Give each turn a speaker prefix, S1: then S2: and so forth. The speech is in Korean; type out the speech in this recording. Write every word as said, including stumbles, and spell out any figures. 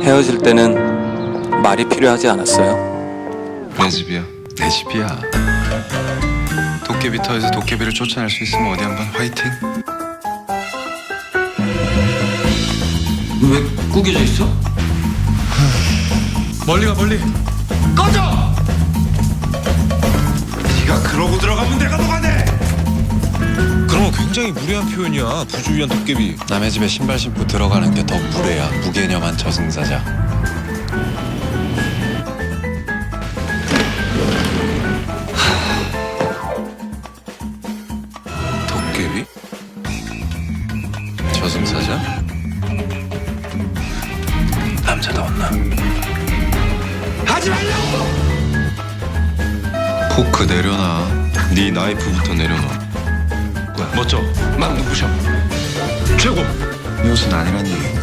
S1: 헤어질 때는 말이 필요하지 않았어요?
S2: 내 집이야.
S3: 내 집이야.
S2: 도깨비터에서 도깨비를 쫓아낼 수 있으면 어디 한번 화이팅.
S1: 왜 구겨져 있어?
S3: 멀리 가 멀리. 꺼져! 네가 그러고 들어가면 내가 녹아내.
S4: 그런 건 굉장히 무례한 표현이야. 부주의한 도깨비.
S3: 남의 집에 신발 신고 들어가는 게 더 무례야. 무개념한 저승사자.
S4: 도깨비?
S3: 저승사자? 남자다웠나?
S4: 하지 말라고!
S2: 포크 내려놔. 네 나이프부터 내려놔.
S4: 멋져. 막 눈부셔. 최고.
S2: 이 옷은 아니란 얘기.